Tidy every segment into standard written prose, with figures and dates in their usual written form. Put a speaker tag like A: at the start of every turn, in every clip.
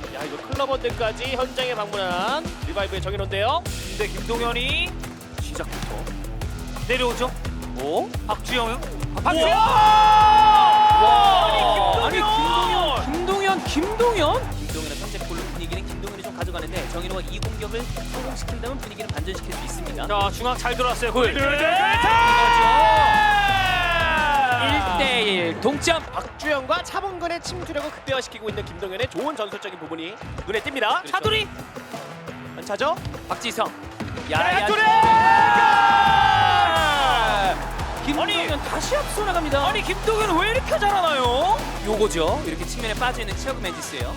A: 야, 이거 클럽원들까지 현장에 방문한 리바이브의 정인호인데요.
B: 근데 김동현이 시작부터 내려오죠. 오? 박주영.
A: 박주영!
B: 아니 김동현의 선제골로 분위기는 김동현이 좀 가져가는데 정인호가 이 공격을 성공시킨다면 분위기는 반전시킬 수 있습니다.
A: 자, 중앙 잘 들어왔어요. 골.
B: 1대1 동점.
A: 박주영과 차범근의 침투력을 극대화시키고 있는 김동현의 좋은 전술적인 부분이 눈에 띕니다.
B: 차두리.
A: 연차죠?
B: 박지성.
A: 야야투리!
B: 김동현 다시 앞서 나갑니다. 아니 김동현 왜 이렇게 잘하나요? 요거죠. 이렇게 측면에 빠져있는 치아고 맨지스예요.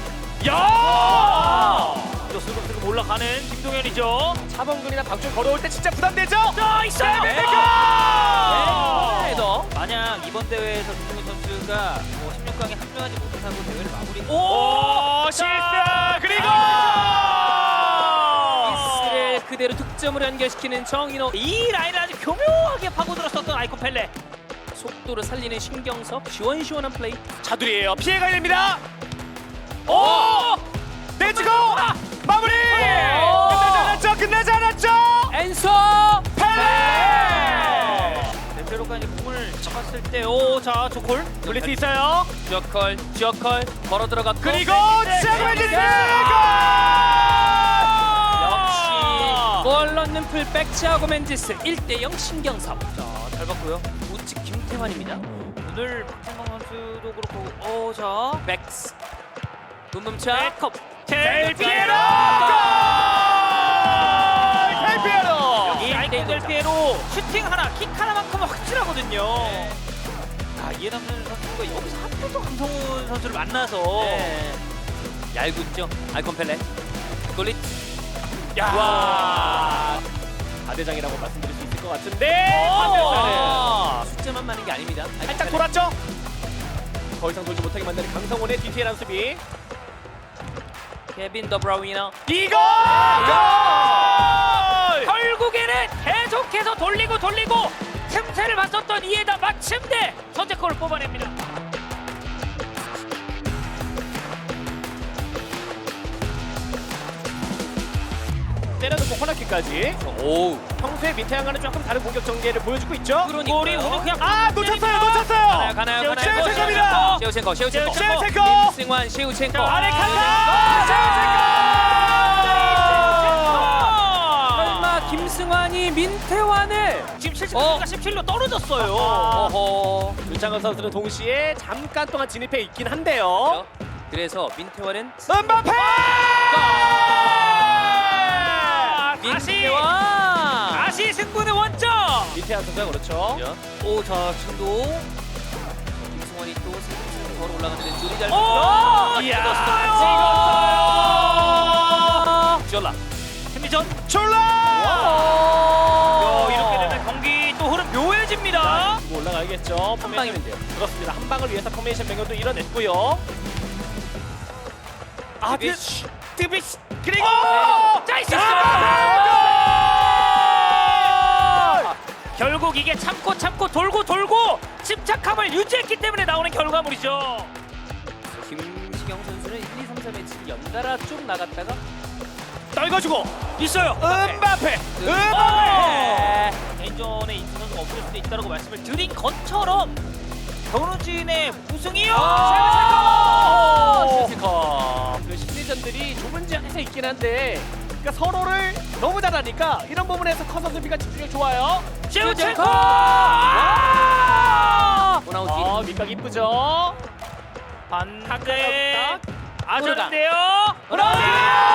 A: 야!
B: 또 슬금슬금 올라가는 김동현이죠.
A: 차범근이나 박주영 걸어올 때 진짜 부담되죠?
B: 자 있어요.
A: 네,
B: 네. 만약 이번 대회에서 김동현 선수가 16강에 합류하지 못하고 대회를 마무리.
A: 오! 실패! 그리고!
B: 미스를 그대로 득점으로 연결시키는 정인호. 이 라인을 아주 교묘하게 파고들었었던 아이콘 펠레. 속도를 살리는 신경섭. 시원시원한 플레이.
A: 차두리예요. 피해가 됩니다. 오! 내주고 마무리! 끝나지 않았죠?
B: 엔소
A: 펠레!
B: 대표로까지 공을 잡았을 때, 오, 자, 조콜
A: 돌릴 수 있어요.
B: 주어컬 걸어 들어갔고,
A: 그리고 시작해주세요.
B: 역시 골 넣는 풀백 치아고 맨지스 1대0 신경섭. 자, 잘 봤고요. 우측 김태환입니다. 오늘 박진광 선수도 그렇고, 오, 자, 백스 붐붐차 컵
A: 델피에로! 델피에로!
B: 이 아이콘 델피에로 슈팅 하나, 킥 하나만큼은 확실하거든요. 아, 이해남 선수가 여기서 하필 또 강성훈 선수를 만나서 얄궂죠. 아이콘 펠레 골릿.
A: 야!
B: 와.
A: 다대장이라고 말씀드릴 수 있을 것 같은데
B: 숫자만 많은 게 아닙니다.
A: 살짝 돌았죠? 더 이상 돌지 못하게 만드는 강성훈의 디테일한 수비.
B: 케빈 더브라우이너.
A: 이거!
B: 결국에는 계속해서 돌리고 틈새를 맞췄던 이에다 마침내 선제골을 뽑아냅니다.
A: 때려놓고 코너킥까지.
B: 오.
A: 평소에 민태양과는 조금 다른 공격 전개를 보여주고 있죠.
B: 그러니까. 골이 오늘 그냥
A: 놓쳤어요.
B: 가나요.
A: 셰우첸코입니다.
B: 셰우첸코.
A: 셰우첸코.
B: 김승환 셰우첸코.
A: 아레칸다.
B: 설마 김승환이 민태환을 지금 70가 17로 떨어졌어요. 어허.
A: 윤창원 선수는 동시에 잠깐 동안 진입해 있긴 한데요.
B: 그래서 민태환은
A: 은바페!
B: 민태환 다시 승부는 원점. 민태환 선수가 그렇죠. 오, 자 지금도 김승환이 또 슬슬 걸어 올라가는데 줄이 잘
A: 오!
B: 이야, 찍었어요. 졸라 팀미전 이렇게 되면 경기 또 흐름 묘해집니다.
A: 뭐 올라가야겠죠.
B: 한 방이면 돼요.
A: 그렇습니다. 한 방을 위해서 포메이션 변경도 이뤄냈고요. 드비시 그리고
B: 자 있었어요. 결국 이게 참고 돌고 침착함을 유지했기 때문에 나오는 결과물이죠. 김시경 선수는 1, 2, 3, 4매치 연달아 쭉 나갔다가
A: 떨궈주고
B: 있어요.
A: 은바페.
B: 개인전에 인수 선수가 없을 수도 있다고 말씀을 드린 것처럼 변우진의 우승이요.
A: 그 심리전들이 좁은 지역에서 있긴 한데, 그러니까 서로를 너무 잘하니까 이런 부분에서 커서 수비가 집중력 좋아요.
B: 셰우첸코. 호나우지.
A: 밑각 이쁘죠.
B: 반대.
A: 아주인데요.
B: 호나우지.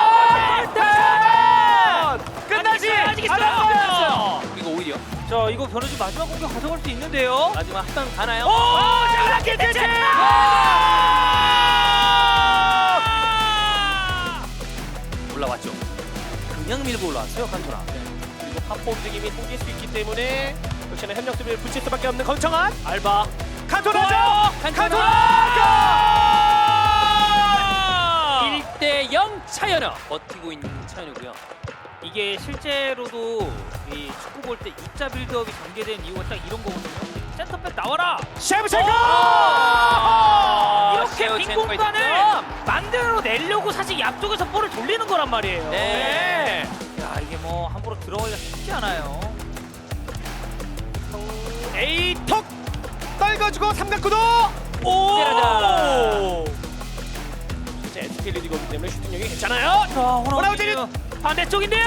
A: 끝나지
B: 아직
A: 않았어요.
B: 이거 오히려. 자, 이거 변우진 마지막 공격 가져갈 수 있는데요. 마지막 한 방 가나요?
A: 오, 잘하게 되지.
B: 올라왔죠. 그냥 밀고 올라왔어요, 칸토나.
A: 그리고 파포 움직임이 생길 수 있기 때문에 역시나 협력 수비를 붙일 수밖에 없는 건청한 알바. 칸토나죠. 칸토나.
B: 1대0 차연우. 버티고 있는 차연우고요. 이게 실제로도 이 축구 볼 때 입자 빌드업이 전개된 이유가 딱 이런 거거든요. 센터백 나와라.
A: 셰브첸코.
B: 이렇게 빈 공간을 만들어내는
C: 내려고 사실 앞쪽에서 볼을 돌리는 거란 말이에요.
B: 네.
C: 야, 이게 뭐 함부로 들어가기가 쉽지 않아요.
A: 에이 턱 떨궈주고 삼각구도.
B: 때려라.
A: 이제 SK 리디거기 때문에 슈팅력이 괜찮아요.
C: 자,
A: 호나우진이
C: 호나우진 반대쪽인데요.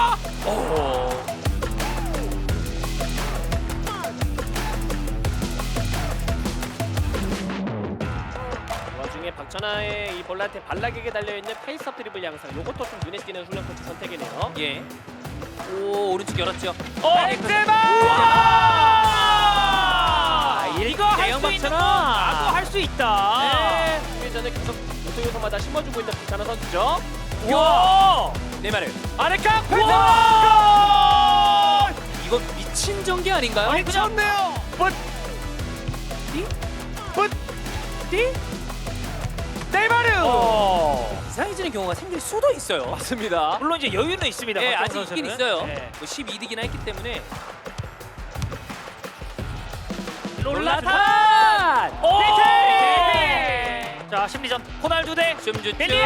A: 그 와중에 박찬하의 이 볼한테 발락에게 달려있는 페이스업 드리블 양상, 요것도 좀 눈에 띄는 훈련 코치 선택이네요.
B: 예. 오, 오른쪽 열었죠.
A: 벤제마!
C: 이거 할
B: 대형
C: 수 있는 건
B: 박찬하.
C: 나도 할 수 있다.
A: 네. 수비 전에 계속 요소요소마다 심어주고 있는 박찬하 선수죠.
C: 와!
B: 네마르.
A: 아래각 벤제마!
B: 이거 미친 전개 아닌가요?
C: 아니, 그냥
A: 미쳤네요. 붓! 붓!
C: 띠?
A: 네이마르!
B: 이상해지는 경우가 생길 수도 있어요.
A: 맞습니다.
C: 물론 이제 여유는 있습니다.
B: 네,
C: 박정호
B: 아직 있긴
C: 선수는.
B: 있어요.
C: 네.
B: 뭐 12득이나 했기 때문에.
C: 롤라탄! 오!
B: 네.
C: 자, 심리전 호날두 대
B: 춤주춤.
C: 벨리에.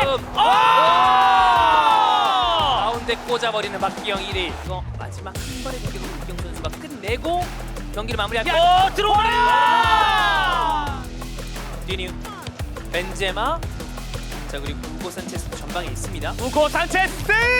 B: 가운데 꽂아버리는 박기영 1위. 이거 마지막 한 번의 공격으로 박기영 선수가 끝내고 경기를 마무리할까?
C: 들어와요!
B: 디뉴, 벤제마. 자, 그리고 우고 산체스도 전방에 있습니다.
A: 우고 산체스!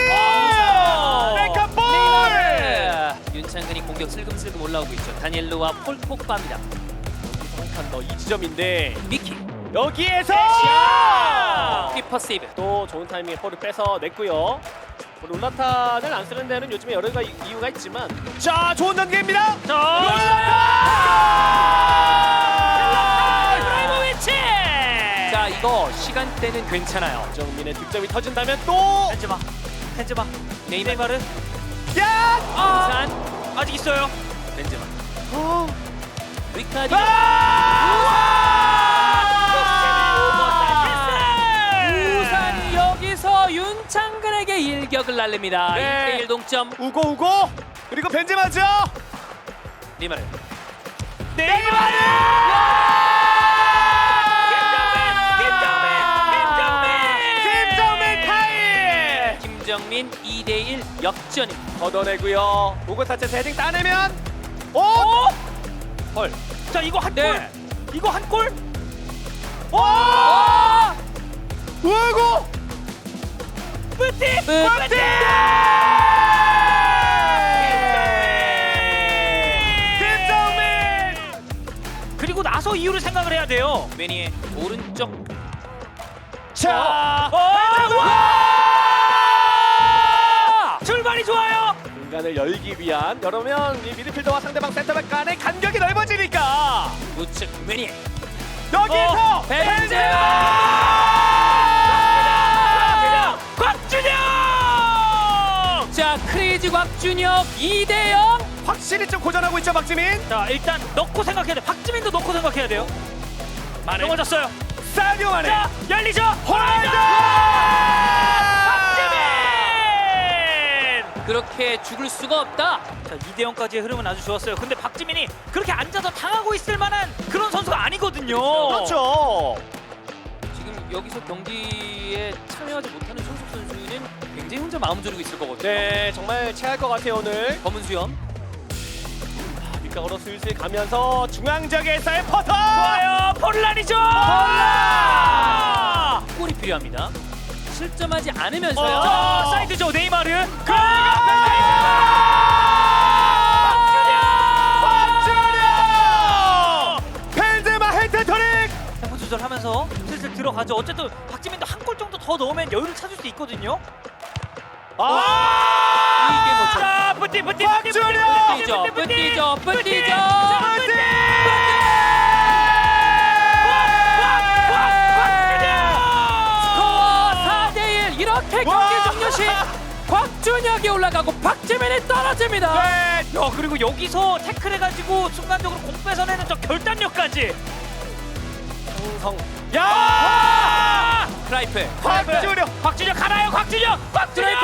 B: 네이마르!
A: 백업볼!
B: 윤창근이 공격 슬금슬금 올라오고 있죠. 다니엘로와 폴 폭바입니다.
A: 한 칸 더 2지점인데
B: 미키.
A: 여기에서
B: 키퍼 세이브.
A: 또 좋은 타이밍에 볼을 뺏어 냈고요. 롤라탄을 안 쓰는 데는 요즘에 여러 가지 이유가 있지만, 자, 좋은 전개입니다.
C: 이브라이모비치!
B: 자, 이거 시간대는 괜찮아요.
A: 정민의 득점이 터진다면 또
C: 벤제마.
B: 네이마르.
A: 야!
B: 우산.
C: 아직 있어요.
B: 벤제마. 리카디. 우산 여기서 윤창근에게 일격을 날립니다.
A: 네.
B: 1대1 동점.
A: 우고 그리고 벤제마죠.
B: 네이마르.
A: 네이마르! 김정민 타임!
B: 김정민 2대1 역전입니다.
A: 걷어내고요. 우고 타체 헤딩 따내면 오!
B: 헐.
C: 자, 이거 한 골.
B: 네.
C: 이거 한 골.
A: 오! 우고!
C: 뿌띠!
A: 뿌띠! 김정민!
C: 그리고 나서 이유를 생각을 해야 돼요.
B: 매니의 오른쪽.
A: 자!
C: 출발이 좋아요.
A: 공간을 열기 위한, 여러면 이 미드필더와 상대방 센터백 간의 간격이 넓어지니까
B: 우측 매니.
A: 여기서
C: 곽준영!
B: 자, 크레이지 곽준혁 2대0.
A: 확실히 좀 고전하고 있죠, 박지민.
C: 자, 일단 넣고 생각해야 돼. 박지민도 넣고 생각해야 돼요.
A: 마네.
C: 넘어졌어요.
A: 사디오 마네.
C: 자, 열리죠.
A: 호날두!
C: 박지민!
B: 그렇게 죽을 수가 없다.
C: 자, 2대0까지의 흐름은 아주 좋았어요. 근데 박지민이 그렇게 앉아서 당하고 있을 만한 그런 선수가 아니거든요.
A: 그렇죠.
B: 지금 여기서 경기에 참여하지 못하는 손석 선수는 굉장히 혼자 마음 졸이고 있을 거거든요.
A: 네, 정말 체할 것 같아요, 오늘.
B: 검은 수염.
A: 밑각으로 슬슬 가면서 중앙적에서의 퍼터!
C: 좋아요. 폴란이죠.
B: 골이 필요합니다. 실점하지 않으면서요.
C: 자, 사이드죠. 네이마르.
A: 박준영! 벤제마 헤트트릭!
C: 템포 조절하면서 슬슬 들어가죠. 어쨌든 박지민도 한 골 정도 더 넣으면 여유를 찾을 수 있거든요.
B: 이게 뭐죠?
C: 자, 뿌띠.
A: 박준영!
B: 뿌띠죠. 스코어 4대1. 이렇게 경기 종료 시 곽준혁이 올라가고 박지민이 떨어집니다.
A: 네,
C: 야, 그리고 여기서 태클해가지고 순간적으로 공 뺏어내는 저 결단력까지.
A: 성. 야!
B: 크라이프.
C: 곽준혁 가나요? 곽준혁!
B: 드라이버!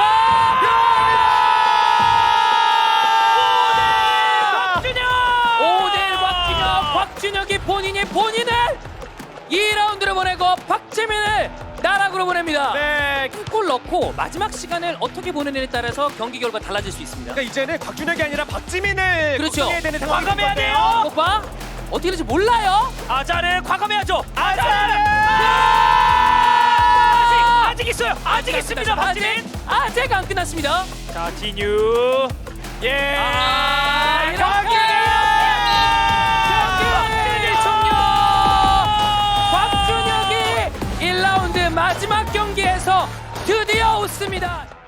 C: 곽준혁!
B: 5대1 곽준혁이 본인을 2라운드를 보내고 박지민을 나락으로 골로 보냅니다.
A: 네.
B: 골 넣고 마지막 시간을 어떻게 보내느냐에 따라서 경기 결과 달라질 수 있습니다.
A: 그러니까 이제는 곽준혁이 아니라 박지민을
B: 그렇죠.
A: 걱정해야 되는 상황이 될 것
C: 과감해야 돼요.
A: 같아요.
B: 오빠 어떻게 될지 몰라요.
C: 아자를 과감해야죠.
A: 아자르!
C: 아직 있어요. 아직 있습니다. 박지민.
B: 아직 안 끝났습니다.
C: 자, 진유. 예.
B: 경기 종료. 곽준혁이 1라운드 마지막 경기에서 드디어 웃습니다.